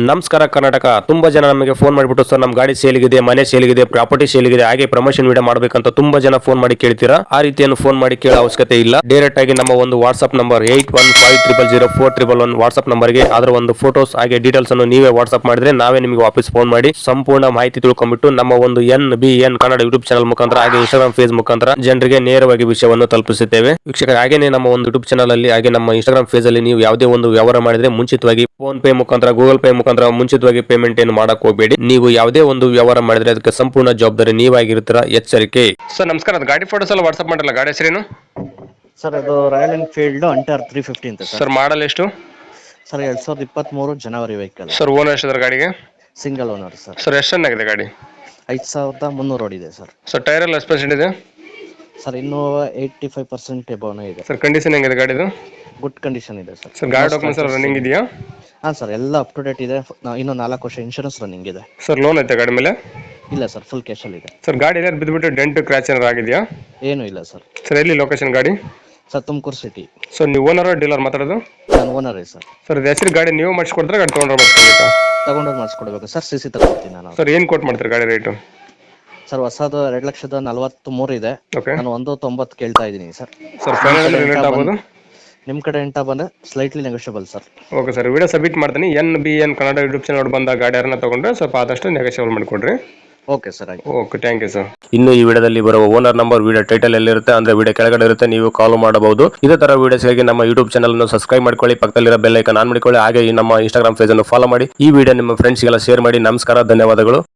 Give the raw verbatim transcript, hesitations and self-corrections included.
ನಮಸ್ಕಾರ ಕರ್ನಾಟಕ. ತುಂಬಾ ಜನ ನಮಗೆ ಫೋನ್ ಮಾಡಿಬಿಟ್ಟು ಸರ್ ನಮ್ಮ ಗಾಡಿ ಸೇಲಿಗಿದೆ, ಮನೆ ಸೇಲಿಗಿದೆ, ಪ್ರಾಪರ್ಟಿ ಸೇಲಿಗಿದೆ, ಹಾಗೆ ಪ್ರಮೋಷನ್ ವಿಡಿಯೋ ಮಾಡಬೇಕಂತ ತುಂಬಾ ಜನ ಫೋನ್ ಮಾಡಿ ಕೇಳ್ತೀರಾ. ಆ ರೀತಿಯನ್ನು ಫೋನ್ ಮಾಡಿ ಕೇಳೋ ಅವಶ್ಯಕತೆ ಇಲ್ಲ. ಡೈರೆಕ್ಟ್ ಆಗಿ ನಮ್ಮ ಒಂದು WhatsApp number eight one five triple zero four triple one WhatsApp ನಂಬರ್ಗೆ ಅದರ ಒಂದು ಫೋಟೋಸ್ ಹಾಗೆ ಡೀಟೇಲ್ಸ್ ಅನ್ನು ನೀವೇ ವಾಟ್ಸ್ಆಪ್ ಮಾಡಿದ್ರೆ ನಾವೇ ನಿಮಗೆ ವಾಪಸ್ ಫೋನ್ ಮಾಡಿ ಸಂಪೂರ್ಣ ಮಾಹಿತಿ ತಿಳ್ಕೊಂಡ್ಬಿಟ್ಟು ನಮ್ಮ ಒಂದು N B N Kannada YouTube channel ಮುಖಾಂತರ ಹಾಗೆ ಇನ್ಸ್ಟಾಗ್ರಾಮ್ ಫೇಸ್ ಮುಖಾಂತರ ಜನರಿಗೆ ನೇರವಾಗಿ ವಿಷಯವನ್ನು ತಲುಪಿಸುತ್ತೇವೆ. ವೀಕ್ಷಕರ, ಹಾಗೇನೆ ನಮ್ಮ ಒಂದು ಯೂಟ್ಯೂಬ್ ಚಾನಲ್ ಅಲ್ಲಿ ಹಾಗೆ ನಮ್ಮ ಇನ್ಸ್ಟಾಗ್ರಾಮ್ ಫೇಸ್ ಅಲ್ಲಿ ನೀವು ಯಾವುದೇ ಒಂದು ವ್ಯವಹಾರ ಮಾಡಿದ್ರೆ ಮುಂಚಿತವಾಗಿ ಫೋನ್ ಪೇ ಮುಖಾಂತರ ಗೂಗಲ್ ಪೇ ಮುಖಾಂತರ ಮುಂಚಿತವಾಗಿ ಪೇಮೆಂಟ್ ಏನು ಮಾಡಕ್ ಹೋಗಬೇಡಿ. ನೀವು ಯಾವುದೇ ಒಂದು ವ್ಯವಹಾರ ಮಾಡಿದ್ರೆ ಅದಕ್ಕೆ ಸಂಪೂರ್ಣ ಜವಾಬ್ದಾರಿ ನೀವಾಗಿರ್ತೀರಾ. ಎಚ್ಚರಿಕೆ. ಸರ್ ನಮಸ್ಕಾರ, ಅದು ಗಾಡಿ ಫೋಟೋಸ್ ಎಲ್ಲ ವಾಟ್ಸ್ಆಪ್ ಮಾಡಲ್ಲ, ಗಾಡಿ ಹೆಸರೇನು ಸರ್? ಅದು Royal Enfield hunter three fifty ಅಂತ ಸರ್. ಮಾಡಲ್ ಎಷ್ಟು ಸರ್? ಎರಡ್ ಸಾವಿರದ ಇಪ್ಪತ್ತ್ ಮೂರು ಜನವರಿ ವೆಹಿಕಲ್ ಸರ್. ಓನರ್ ಎಷ್ಟಿದ್ರೆ ಗಾಡಿಗೆ? Single owner sir. ಸರ್ ಎಷ್ಟು ಚೆನ್ನಾಗಿದೆ ಗಾಡಿ? ಐದು ಸಾವಿರದ ಮುನ್ನೂರು ಓಡಿದೆ ಸರ್. ಸರ್ ಟೈರ್ ಎಲ್ಲ ಎಷ್ಟು ಪರ್ಸೆಂಟ್ ಇದೆ ಸರ್? ಇನ್ನೂ ಏಯ್ಟಿ ಫೈವ್ ಪರ್ಸೆಂಟ್ ಎಬೋನೇ ಇದೆ ಸರ್. ಕಂಡೀಷನ್ ಹೆಂಗಿದೆ ಗಾಡಿದು? ಗುಡ್ ಕಂಡೀಷನ್ ಇದೆ ಸರ್. ಸರ್ ಗಾಡಿ ಡಾಕ್ಯುಮೆಂಟ್ಸ್ ಎಲ್ಲ ರನ್ನಿಂಗ್ ಇದೆಯಾ? ಹಾಂ ಸರ್, ಎಲ್ಲ ಅಪ್ ಟು ಡೇಟ್ ಇದೆ. ಇನ್ನೂ ನಾಲ್ಕು ವರ್ಷ ಇನ್ಶೂರೆನ್ಸ್ ರನ್ನಿಂಗ್ ಇದೆ ಸರ್. ಲೋನ್ ಐತೆ ಗಾಡಿ ಮೇಲೆ? ಇಲ್ಲ ಸರ್, ಫುಲ್ ಕ್ಯಾಶಲ್ಲಿ ಇದೆ ಸರ್. ಗಾಡಿ ಏನಾದ್ರು ಬಿದ್ದುಬಿಟ್ಟು ಡೆಂಟ್ ಕ್ರ್ಯಾಚ್ ಏನಾರು ಆಗಿದೆಯಾ? ಏನೂ ಇಲ್ಲ ಸರ್. ಸರ್ ಎಲ್ಲಿ ಲೊಕೇಶನ್ ಗಾಡಿ? Sir Tumakuru city. ಸರ್ ನೀವು ಓನರ್ ಡೀಲರ್ ಮಾತಾಡೋದು? ನಾನು ಓನರೇ ಸರ್. ಸರ್ ಇದು ಹೆಸರು ಗಾಡಿ ನೀವು ಮಾಡಿಸ್ಕೊಡ್ತಾರೆ, ಗಾಡಿ ತೊಗೊಂಡ್ರೆ ಮಾಡಿಸ್ಕೊಬೇಕಾ? ತಗೊಂಡೋಗಿ ಮಾಡಿಸ್ಕೊಡ್ಬೇಕು ಸರ್. ಸಿ ಸಿ ತಗೊಳ್ತೀನಿ ನಾನು. ಸರ್ ಏನು ಕೊಟ್ಟು ಮಾಡ್ತಾರೆ ಗಾಡಿ ರೇಟು? ಸರ್ ಹೊಸದು ಎರಡು ಲಕ್ಷದ ನಲವತ್ತ್ ಮೂರು ಇದೆ. ಓಕೆ. ನಾನು ಒಂದು ತೊಂಬತ್ತು ಕೇಳ್ತಾ ಇದ್ದೀನಿ ಸರ್. ಸರ್ ಫೈನಲ್ ರೇಟ್ ಆಗ್ಬೋದು? ನಿಮ್ಮ ಕಡೆ ಎಂಟ ಬಂದರೆ slightly negotiable sir. Okay sir, video submit ಮಾಡ್ತೀನಿ. N B N Kannada YouTube channel ಬಂದ ಗಾಡಿ ಯಾರನ್ನ ತಗೊಂಡ್ರೆ ಸ್ವಲ್ಪ ಆದಷ್ಟು ನೆಗೋಷಿಯಬಲ್ ಮಾಡಿಕೊಡ್ರಿ. ಓಕೆ ಸರ್, ಆಯ್ತು. Okay, thank you sir. ಇನ್ನು ಈ ವಿಡಿಯೋದಲ್ಲಿ ಬರುವ ಓನರ್ ನಂಬರ್ ವಿಡಿಯೋ ಟೈಟಲ್ ಎಲ್ಲಿರುತ್ತೆ ಅಂದ್ರೆ ವಿಡಿಯೋ ಕೆಳಗಡೆ ಇರುತ್ತೆ, ನೀವು ಕಾಲ್ ಮಾಡಬಹುದು. ಇದೇ ತರ ವಿಡಿಯೋಸ್ಗಾಗಿ ನಮ್ಮ ಯೂಟ್ಯೂಬ್ ಚಾನಲ್ ಅನ್ನು ಸಬ್ಸ್ಕ್ರೈಬ್ ಮಾಡ್ಕೊಳ್ಳಿ, ಪಕ್ಕದಲ್ಲಿರೋ ಬೆಲ್ ಐಕಾನ್ ಆನ್ ಮಾಡಿಕೊಳ್ಳಿ, ಹಾಗೆ ಈ ನಮ್ಮ ಇನ್ಸ್ಟಾಗ್ರಾಮ್ ಪೇಜ್ ಅನ್ನು ಫಾಲೋ ಮಾಡಿ. ಈ ವಿಡಿಯೋ ನಿಮ್ಮ ಫ್ರೆಂಡ್ಸ್ಗೆಲ್ಲ ಶೇರ್ ಮಾಡಿ. ನಮಸ್ಕಾರ, ಧನ್ಯವಾದಗಳು.